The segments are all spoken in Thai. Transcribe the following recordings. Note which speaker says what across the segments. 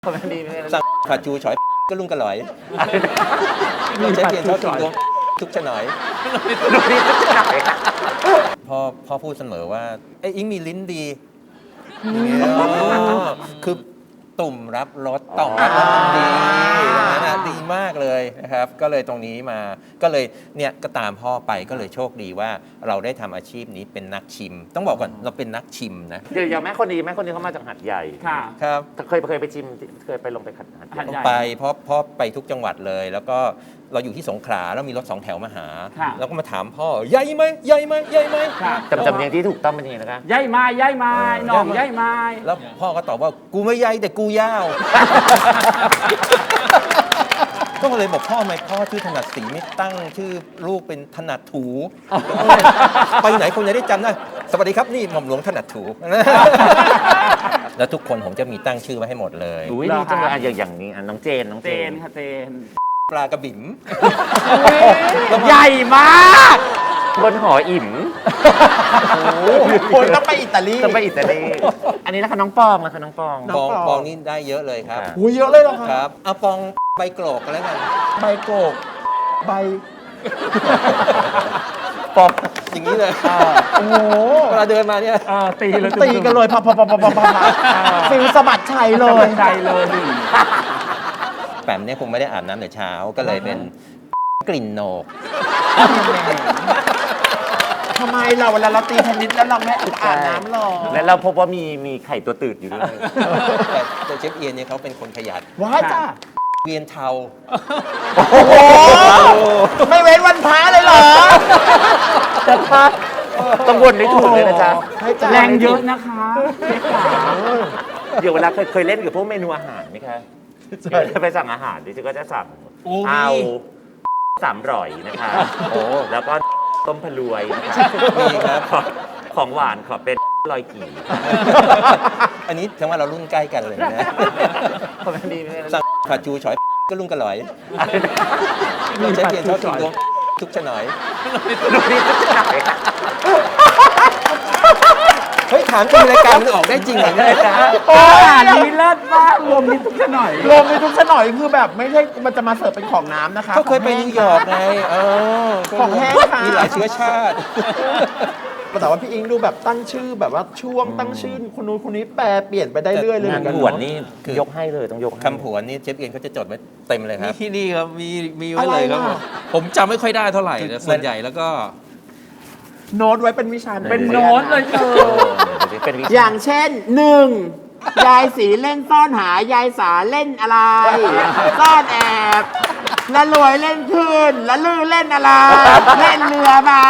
Speaker 1: สั่งผัดจูฉอยก็ลุงกระหลอยใช้เพียงชอบกินทุกชะหน่อยพ่อพูดเสมอว่าไอ้อิงมีลิ้นดีคือตุ่มรับรสต่อมรับรสดีนะดีมากเลยนะครับก็เลยตรงนี้มาก็เลยเนี่ยก็ตามพ่อไปก็เลยโชคดีว่าเราได้ทำอาชีพนี้เป็นนักชิมต้องบอกก่อนเราเป็นนักชิมนะ
Speaker 2: เดี๋ยวอย่างแม่คนนี้เขามาจากหัดใหญ่
Speaker 1: ครับ
Speaker 2: เคยไปชิมเคยไปลงไปหัดใหญ่
Speaker 1: ไปเพราะพ่อไปทุกจังหวัดเลยแล้วก็เราอยู่ที่สงขลาแล้วมีรถ2 แถวมาหาแล้วก็มาถามพ่อใหญ่ไหมใหญ่ไหมใหญ่ไหม
Speaker 2: จำเนียงที่ถูกต้องเป็นยังไงนะคะ
Speaker 3: ใหญ่ไม้ใหญ่ไม้น้องใหญ่ไม้
Speaker 1: แล้วพ่อก็ตอบว่ากูไม่ใหญ่แต่กูยาวก็เลยบอกพ่อทำไมพ่อชื่อถนัดสีไม่ตั้งชื่อลูกเป็นถนัดถูไปไหนคนจะได้จำได้สวัสดีครับนี่หม่อมหลวงถนัดถูแล้วทุกคนผมจะมีตั้งชื่อไว้ให้หมดเลย
Speaker 2: ดีจังเลยอย่างนี้น้องเจน
Speaker 3: ค่ะเจน
Speaker 1: ปลากระบิ่ม
Speaker 3: ใหญ่มาก
Speaker 2: บนหออิ่ม
Speaker 4: คนต้องไปอิตาลี
Speaker 2: อันนี้นะคะน้องปองนะคะน้องป
Speaker 1: องนี่ได้เยอะเลยครับ
Speaker 4: เยอะเลยเหรอ
Speaker 1: ครับเอาปองใบโกรกกันแล้วกัน
Speaker 4: ใบโกรกใบ
Speaker 1: ปองอย่างนี้เลย
Speaker 4: โอ้โห
Speaker 1: เวลาเดินมาเนี่ย
Speaker 4: ตีกันเลยพับฟิลสะบัดชัยเลย
Speaker 1: แปมเนี่ยคงไม่ได้อาบน้ำแต่เช้าก็เลยเป็นกลิ่นโหนก
Speaker 4: ทำไมเราเวลาเราตีเทนนิสแล้วเราไม่อาบน้ำหรอ
Speaker 2: และเราพบว่ามีไข่ตัวตืดอยู่ด้วย
Speaker 1: แต่เชฟเอียนเนี่ยเขาเป็นคนขยัน
Speaker 4: ว้ายจ้า
Speaker 1: เวียนเทา
Speaker 4: โอ้โหไม่เว้นวันพระเลยเหรอ
Speaker 2: แต่พระต้องวนได้ถูกเลยนะจ๊ะ
Speaker 3: แรงเยอะนะคะ
Speaker 2: เดี๋ยวเวลาเคยเล่นกับพวกเมนูอาหารไหมคะไปสั่งอาหารดิฉันก็จะสั่งเอา300นะคะแล้วก็ต้มพะรวย
Speaker 1: มีครับ
Speaker 2: ของหวานขอเป็นลอยกี่
Speaker 1: อันนี้ถึงว่าเรารุ่นใกล้กันเลยนะสั่งผัดจูฉอยก็ลุงกระหลอยใช้เพียงชอบกินทุกชะหน่อยเฮ้ยถามจริงรายการมันออกได้จริงเหรอเนี่ย
Speaker 3: นี่เลิศมากรวมมิตรทุกชะหน่อย
Speaker 4: คือแบบไม่ใช่มันจะมาเสิร์ฟเป็นของน้ำนะคะ
Speaker 1: เขาเคยไปนิวยอร์กไง
Speaker 4: ของแห้งค่ะ
Speaker 1: มีหลายเชื้อชาติ
Speaker 4: แต่ว่าพี่อิงดูแบบตั้งชื่อแบบว่าช่วงตั้งชื่อคนนู้นคนนี้แปลเปลี่ยนไปได้เรื่อยเลยเหมือนกัน
Speaker 2: คำผวนนี่ยกให้เลยต้องยก
Speaker 1: คำผวนนี่เชฟเอียนเขาจะจดไว้เต็มเลยครับ
Speaker 3: ที่นี่ครับมีไว้เลยครับผมจำไม่ค่อยได้เท่าไหร่แต่ส่วนใหญ่แล้วก็
Speaker 4: โน้ตไว้เป็นวิชา
Speaker 3: เป็นโน้ตเลย
Speaker 4: อย่างเช่น1ยายสีเล่นซ่อนหายายสาเล่นอะไรซ่อนแอบละรวยเล่นคืนละลือเล่นอะไรเล่นเรือใบ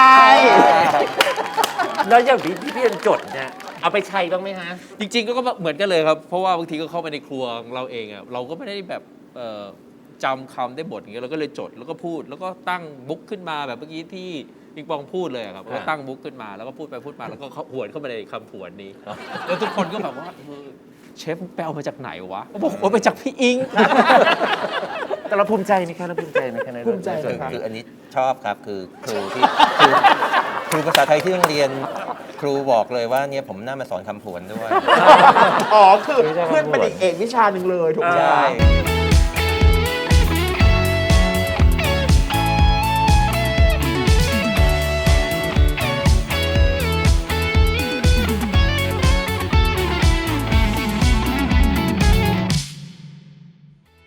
Speaker 2: แล้วอย่างพี่เรียนจดเนี่ยเอาไปใช้บ้างไหมฮะ
Speaker 3: จริงๆก็เหมือนกันเลยครับเพราะว่าบางทีก็เข้าไปในครัวเราเองอ่ะเราก็ไม่ได้แบบจำคำได้บทอย่างเงี้ยเราก็เลยจดแล้วก็พูดแล้วก็ตั้งบุ๊กขึ้นมาแบบเมื่อกี้ที่ปิงปองพูดเลยครับก็ตั้งบุ๊กขึ้นมาแล้วก็พูดไปพูดมาแล้วก็หวนเข้ามาในคำผวนนี้แล้วทุกคนก็แบบว่าเชฟแปลมาจากไหนวะบอกว่ามาจากพี่อิง
Speaker 2: แต่เราภูมิใจไหมคะภูมิใจ
Speaker 1: คืออันนี้ชอบครับคือครูภาษาไทยที่โรงเรียนครูบอกเลยว่าเนี่ยผมน่ามาสอนคำผวนด้วย
Speaker 4: คือเพื่อนเป็นเอกวิชาหนึ่งเลยถูกไหม